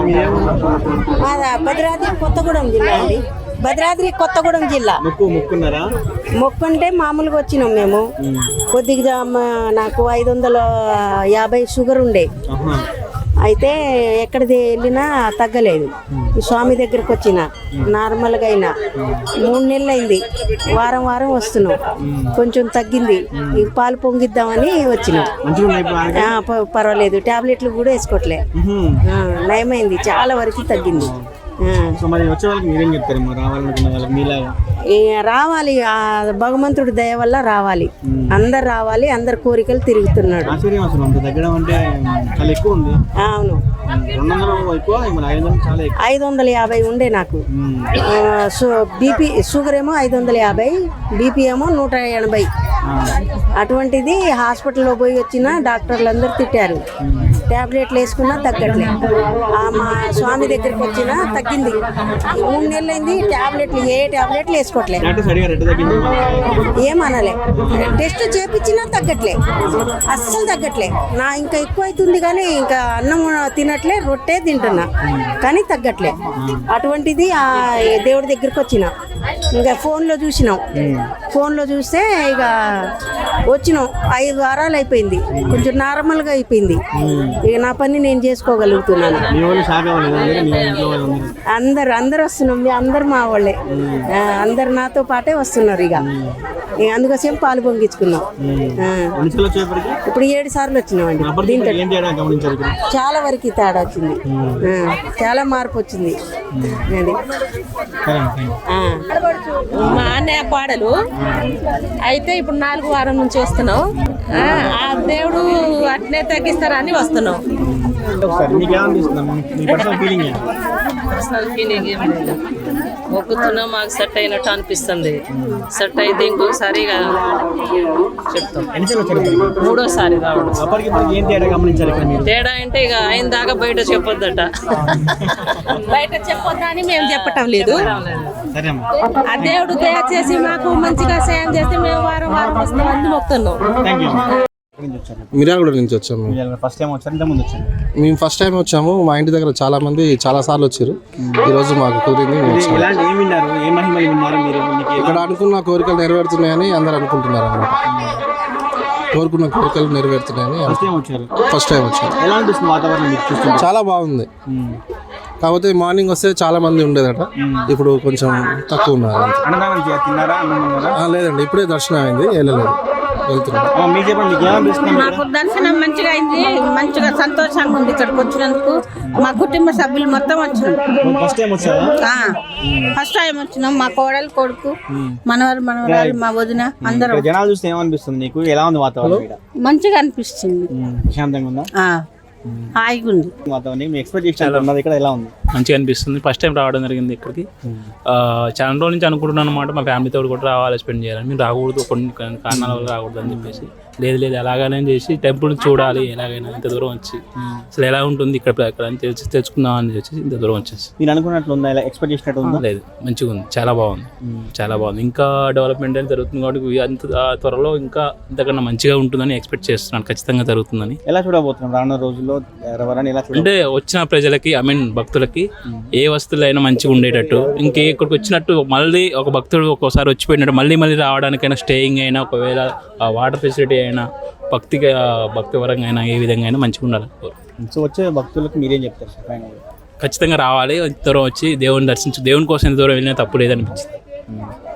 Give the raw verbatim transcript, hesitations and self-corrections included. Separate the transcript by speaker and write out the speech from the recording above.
Speaker 1: మాదా భద్రాద్రి కొత్తగూడెం జిల్లా అండి. భద్రాద్రి కొత్తగూడెం జిల్లా. మొక్కుంటే మామూలుగా వచ్చినాం మేము. కొద్దిగా మా- నాకు ఐదు వందల యాభై షుగర్ ఉండే, అయితే ఎక్కడిది వెళ్ళినా తగ్గలేదు. ఈ స్వామి దగ్గరకు వచ్చిన నార్మల్గా అయినా మూడు నెలలు అయింది. వారం వారం వస్తున్నాం, కొంచెం తగ్గింది. ఈ పాలు పొంగిద్దామని వచ్చినాం. ఆ, ప- పర్వాలేదు, టాబ్లెట్లు కూడా వేసుకోవట్లే, ఆ, నయమైంది, చాలా వరకు తగ్గింది. ఆ. ఈ రావాలి, ఆ భగవంతుడి దయ వల్ల రావాలి, అందరు రావాలి, అందరు కోరికలు తిరుగుతున్నాడు. అవును, ఐదు వందల యాభై ఉండే నాకు. బీపీ షుగర్ ఏమో ఐదు వందల యాభై, బీపీ ఏమో నూట ఎనభై. అటువంటిది హాస్పిటల్లో పోయి వచ్చిన డాక్టర్లు అందరూ తిట్టారు. ట్యాబ్లెట్లు వేసుకున్నా తగ్గట్లే. ఆ మా స్వామి దగ్గరికి వచ్చినా తగ్గింది. మూడు నెలలు అయింది, ట్యాబ్లెట్లు ఏ ట్యాబ్లెట్లు వేసుకోవట్లే, ఏమనలే. టెస్ట్ చేపించినా తగ్గట్లే, అస్సలు తగ్గట్లే. నా ఇంకా ఎక్కువ అవుతుంది కానీ ఇంకా అన్నం తినట్లే, రొట్టె తింటున్నా కానీ తగ్గట్లే. అటువంటిది ఆ దేవుడి దగ్గరికి వచ్చిన, ఇంకా ఫోన్లో చూసినాం. ఫోన్లో చూస్తే ఇక వచ్చినాం. ఐదు వారాలు అయిపోయింది, కొంచెం నార్మల్గా అయిపోయింది. ఇక నా పని నేను చేసుకోగలుగుతున్నాను. అందరు అందరు వస్తున్నాం, మీ అందరు మా వాళ్ళే, ఆ, అందరు నాతో పాటే వస్తున్నారు. ఇక ఇక అందుకోసం పాలు పొంగించుకున్నాం. ఆ. ఇప్పుడు ఏడు సార్లు వచ్చినామండి. దీంతో చాలా వరకు తేడా వచ్చింది, ఆ, చాలా మార్పు వచ్చింది. అది ఆ.
Speaker 2: మా అన్నయ్య పాడలు అయితే ఇప్పుడు నాలుగు వారం నుంచి వస్తున్నాం. ఆ, ఆ దేవుడు అట్నే తగ్గిస్తారని వస్తున్నాం. పర్సనల్ ఫీలింగ్ ఏం లేదు, మొక్కుతున్నాం, మాకు సెట్ అయినట్టు అనిపిస్తుంది. సెట్ అయితే ఇంకొకసారి ఇక చెప్తాం. మూడోసారి రావడం. తేడా అంటే ఇక ఆయన దాకా బయట చెప్పొద్దట, బయట చెప్పొద్దా అని మేము చెప్పటం లేదు. ఆ దేవుడు దయచేసి మాకు మంచిగా సాయం చేస్తే మేము వారం వారం వస్తామని మొక్కుతున్నాం.
Speaker 3: మిర్యాలగూడ నుంచి వచ్చాము.
Speaker 4: ఫస్ట్ టైం వచ్చారు, ఇంతకుముందు వచ్చారు?
Speaker 3: మేము ఫస్ట్ టైం వచ్చాము. మా ఇంటి దగ్గర చాలా మంది చాలా సార్లు వచ్చారు. ఈ రోజు మాకు కుదిరింది, మేము వచ్చాము.
Speaker 4: ఇలాంటి ఏం విన్నారు, ఏ మహిమలు విన్నారు మీరు?
Speaker 3: ఇక్కడ అనుకున్న కోరికలు నెరవేరుతున్నాయని అందరు అనుకుంటున్నారు అన్నమాట. కోరుకున్న కోరికలు నెరవేరుతున్నాయని
Speaker 4: ఫస్ట్ టైం వచ్చారు.
Speaker 3: ఫస్ట్ టైం వచ్చారు.
Speaker 4: ఎలా అనిపిస్తుంది వాతావరణం మీకు చూస్తుంటే?
Speaker 3: చాలా బాగుంది. కాకపోతే మార్నింగ్ వస్తే చాలా మంది ఉండేదట, ఇప్పుడు కొంచెం తక్కువ ఉన్నారు.
Speaker 4: అన్నదానం చే- తిన్నారా? అన్నం తిన్నారా?
Speaker 3: ఆ, లేదండి, ఇప్పుడే దర్శనం అయింది, వెళ్ళలేదు, వెళ్తున్నాం.
Speaker 4: ఆ, మీకు చెప్పండి, మీకు ఏమనిపిస్తుంది?
Speaker 2: మాకు దర్శనం మంచిగా అయింది, మంచిగా సంతోషంగా ఉంది. ఇక్కడికి వచ్చినందుకు మా కుటుంబ సభ్యులు మొత్తం వచ్చినాం.
Speaker 4: ఫస్ట్ టైం వచ్చారా?
Speaker 2: ఫస్ట్ టైం వచ్చినాం. మా కోడలు, కొడుకు, మనవరు, మనవరాలు, మా వదిన అందరం.
Speaker 4: ఇక్కడ జనాలు చూస్తే ఏమనిపిస్తుంది నీకు? ఎలా ఉంది వాతావరణం? ఇక్కడ
Speaker 2: మంచిగా అనిపిస్తుంది,
Speaker 4: ప్రశాంతంగా ఉందా?
Speaker 2: ఆ, హాయిగా ఉంది
Speaker 4: వాతావరణం. మీ ఎక్స్పెక్టేషన్ ఉన్నది ఇక్కడ ఎలా ఉంది?
Speaker 5: మంచిగా అనిపిస్తుంది. ఫస్ట్ టైం రావడం జరిగింది ఇక్కడికి. ఆ, చాలా రోజుల నుంచి అనుకుంటున్నాను అనమాట, మా ఫ్యామిలీతో కూడా రావాలి, స్పెండ్ చేయాలని. మీరు రాకూడదు, కొన్ని కారణాల వల్ల రాకూడదు అని చెప్పేసి, లేదు లేదు ఎలాగైనా చేసి టెంపుల్ చూడాలి, ఎలాగైనా ఇంత దూరం వచ్చి అసలు ఎలా ఉంటుంది ఇక్కడ ఇక్కడ అని తెలిసి తెలుసుకుందాం అని చెప్పి ఇంత దూరం వచ్చేసి.
Speaker 4: మీరు అనుకున్నట్లు ఉందా? ఇలా ఎక్స్పెక్ట్ చేసినట్టు ఉందా?
Speaker 5: లేదు, మంచిగా ఉంది, చాలా బాగుంది, చాలా బాగుంది. ఇంకా డెవలప్మెంట్ అనేది జరుగుతుంది కాబట్టి అంత త్వరలో ఇంకా ఇంతకన్నా మంచిగా ఉంటుందని ఎక్స్పెక్ట్ చేస్తున్నాను. ఖచ్చితంగా జరుగుతుందని.
Speaker 4: ఎలా చూడబోతున్నాం రానున్న రోజుల్లో ఎవరైనా? ఎలా చూడ
Speaker 5: అంటే వచ్చిన ప్రజలకి, ఐ మీన్ భక్తులకి ఏ వస్తువులైనా మంచిగా ఉండేటట్టు, ఇంకే ఇక్కడికి వచ్చినట్టు మళ్ళీ ఒక భక్తుడు ఒక్కోసారి వచ్చిపోయినట్టు మళ్ళీ మళ్ళీ రావడానికైనా, స్టేయింగ్ అయినా, ఒకవేళ వాటర్ ఫెసిలిటీ అయినా, భక్తిగా భక్తి పరంగా అయినా, ఏ విధంగా అయినా మంచిగా ఉండాలి.
Speaker 4: సో వచ్చే భక్తులకు మీరేం చెప్తారు సార్ ఫైనల్?
Speaker 5: ఖచ్చితంగా రావాలి, ఇంత దూరం వచ్చి దేవుని దర్శించు, దేవుని కోసం ఎంత దూరం వెళ్ళినా తప్పు లేదనిపించింది.